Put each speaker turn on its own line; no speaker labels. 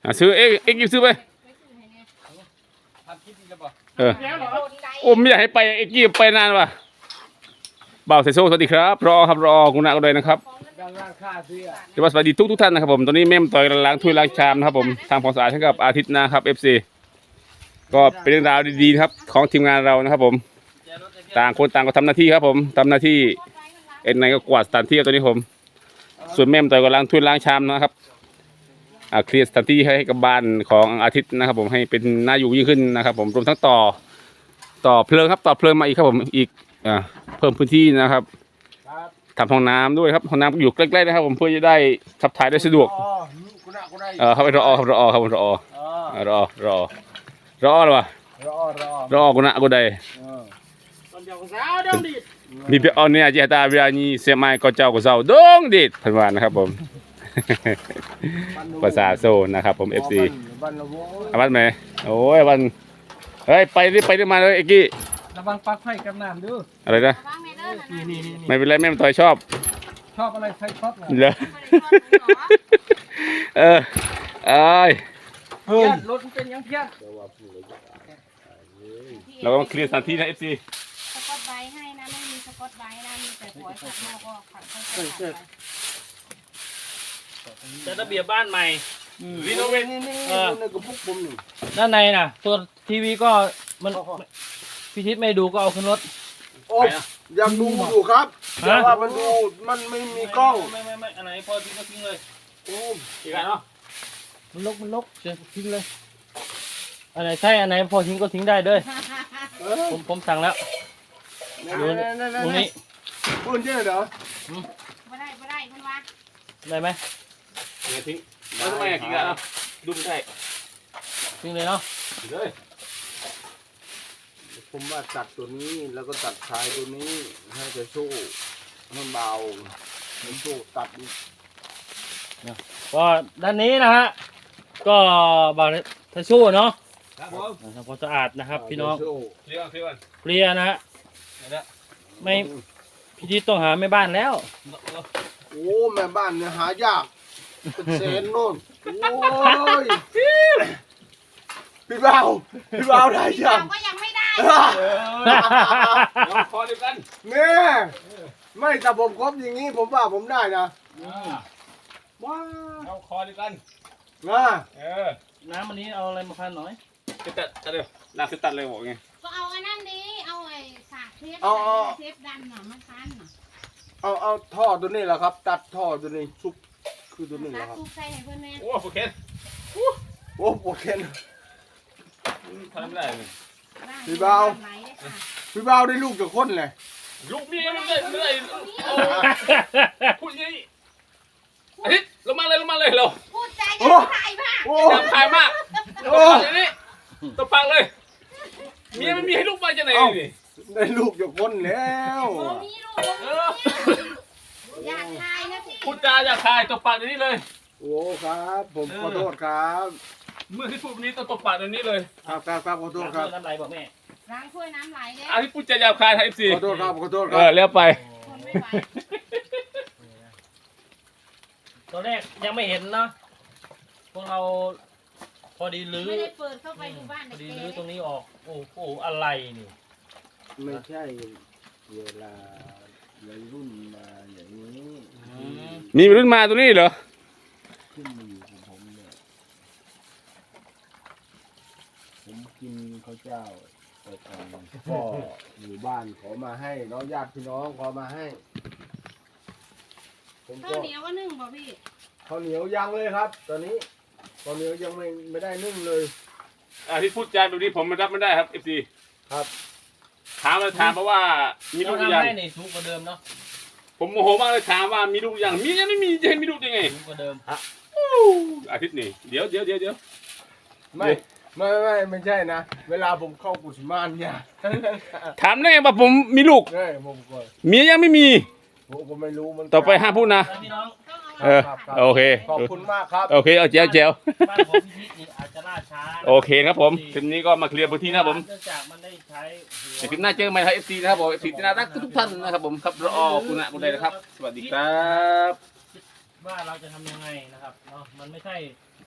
ซื้อเอ็กซ์ซื้อไปโอ้ไม่อยากให้ไปเอ็กซ์ไปนานว่ะบ่าวเซโซสวัสดีครับรอครับรอคุณนาก็เลยนะครับจะว่าสวัสดีทุกท่านนะครับผมตอนนี้แม่ต่อยล้างถ้วยล้างชามนะครับผมทำความสะอาดให้กับอาทิตย์นะครับ FC ก็เป็นเรื่องราวดีๆครับของทีมงานเรานะครับผมต่างคนต่างก็ทำหน้าที่ครับผมทำหน้าที่เอ็นไนก็กวาดสถานที่ตัวนี้ผมส่วนแม่ต่อยก็ล้างถ้วยล้างชามนะครับเคลียร์สถานที่ให้กับบ้านของอาทิตย์นะครับผมให้เป็นน่าอยู่ยิ่งขึ้นนะครับผมรวมทั้งต่อเพลิงครับต่อเพลิงมาอีกครับผมอีกเพิ่มพื้นที่นะครับทำห้องน้ำด้วยครับห้องน้ำอยู่ใกล้ๆนะครับผมเพื่อจะได้ขับถ่ายได้สะดวกเข้าไปรอครับรอครับรอหรอวะรอกูนะกูได้มีเพียงเนี่ยเจตาเวียนี่เสียไม้ก็เจ้าก็เจ้าดงดิดพันวานนะครับผมภาษาโซนนะครับผม FC วันไหมโอ้ยวันเฮ้ยไปได้มาเลยเอ็กกี้
ระวังปลั๊กไฟกับน้ำดู
อะไรนะไม่เป็นไรแม่ต่อยชอบ
อะไรไฟช็อต
เหรอเอ้ย
รถเป็นยังเพี้ยน
เราต้องเคลียร์สถานที่นะ FC
สกอตไบท์ให้นะไม่มีสกอตไบท์นะมีแต่หัวขัดหม้อก็ขัดเข้าไป
จะระเบียบบ้านใหม่
รีโนเวท
ด้านในน่ะตัวทีวีก็มันพิชิตไม่ดูก็เอาขึ้นรถ
โอ้ยังดูอยู่ครับแต่ว่ามันดูมันไม่มีกล้อง
ไม่อันไหนพอทิ้งก็ทิ้งเลย
โอ้
อีกแล้วเนาะมันลกเชิญทิ้งเลยอันไหนใช่อันไหนพอทิ้งก็ทิ้งได้เด้อผมสั่งแล้วดูตรงนี้
พูดเยอะเหรอ
ไม่ได้คุณวะ
ได้ไหม
ทิ้งแล้วทำไมทิ้งกันเนาะดูไม่ได้
ทิ้งเลยเนาะ
เลย
ผมว่าตัดตัวนี้แล้วก็ตัดชายตัวนี้ให้จะสู้มันเบามันสู้ตัด
ก็ด้านนี้นะฮะก็บางทิชชู่เนาะ
ครับผม
ทำความสะอาดนะครับพี่น้อง
เคลี
ยร์นะฮะไม่พี่ทิศต้องหาแม่บ้านแล้ว
โอ้แม่บ้านเนี่ยหายากเป็นเซนโน่นโอ้ยพี่บ่าวได้ยัง
ก็ยังไม่ได้
คอเดียวกัน
เนี่ยไม่แต่ผมครบอย่างนี้ผมว่าผมได้นะ
ว้าเอาคอเดียวกัน
น้ำอันนี้เอาอะไรมาพันหน่อย
ตัดเร็วน้ำคือตัดเลยบอกไง
ก็เอาอันนั้นนี้เอาไอ้สากเทปดันหน่อยมาพัน
เอาท่อตัวนี้แหละครับตัดท่อตัวนี้ซุปคือตัวนี้แหละครับ
ใส่ให้เพื่อนแม่
โอ้โหเคน
โอเค
ทำไม่ได้เลย
พี่บ่าวได้ลูกจากคนเลย
ลูกมีไม่ได้พูดยังไงอาทิตย์ลงมาเลยเรา
พูดใจยังขายมาก
ยังขายมากอย่างนี้ตัวปังเลยเมียไม่มีให้ลูกไปจะไหนนี่
ได้ลูกจากคนแล้ว
มีลูกอยากขายนะพี่
พูดจาอยากขายตัวปังอย่างนี้เลย
โอ้ครับผมขอโทษครับ
เมื่อที่พูดนี้ตัวปังอย่างนี้เลย
ครับขอโทษครับ
น้ำไหลบอกแม่
ล้างถ้วยน้ำไหลเนี่ย
ที่พูดจาอยากขายไทยซี
ขอโทษครับ
แล้วไป
ตอนแรกยังไม่เห็นเนาะพวกเราพอดีลื้อ
ไม่ได้เปิดเข้าไปดูบ้าน
พอดีลื้อตรงนี้ออกโอ้โหอะไรนี่
ไม่ใช่เวลาวัยรุ่นมาอย่างนี้
มีวัยรุ่นมาตรงนี้เหรอ
ขึ้นมาอยู่ของผมเนี่ยผมกินข้าวเจ้าไปทานก็อยู่บ้านขอมาให้น้องญาติพี่น้องขอมาให้
ข้าวเหนียวว่านึ่งป่ะพี่
ข้าวเหนียวยังเลยครับตอนนี้ข้าวเหนียวยังไม่ได้นึ่งเลย
ที่พูดจาแบบนี้ผมรับไม่ได้ครับเอฟซี
ครับ
ถามเพราะว่ามีลูกยัง
ให้ในสูงกว่าเดิมเนาะ
ผมโมโหมากเลยถามว่ามีลูกยังมียังไม่มีจะให้มีลูกยังไง
สูงกว่าเดิม
อาทิตย์นี้เดี๋ยว
ไม่ใช่นะเวลาผมเข้ากุศมานเนี่ย
ถามได้ไงว่าผมมีลูกเมียยังไม่มี
ผมไม่รู้มัน
ต่อไปห้ามพูดนะโอเค
ขอบคุณมากครับ
โอเคเอาเจียว
บ้านของพี่นี่อาจจะล่าช้า
โอเคครับผมทีนี้ก็มาเคลียร์พื้นที่นะครับผม
เนื่องจากมันได้ใช้
คลิปหน้าเจอกันใหม่ครับเอฟซีนะครับผมเอฟซีที่น่ารักทุกท่านนะครับผมครับรอคุณนะคุณใดนะครับสวัสดีครับ
ว่าเราจะทำยังไงนะครับเนาะมันไม่ใช่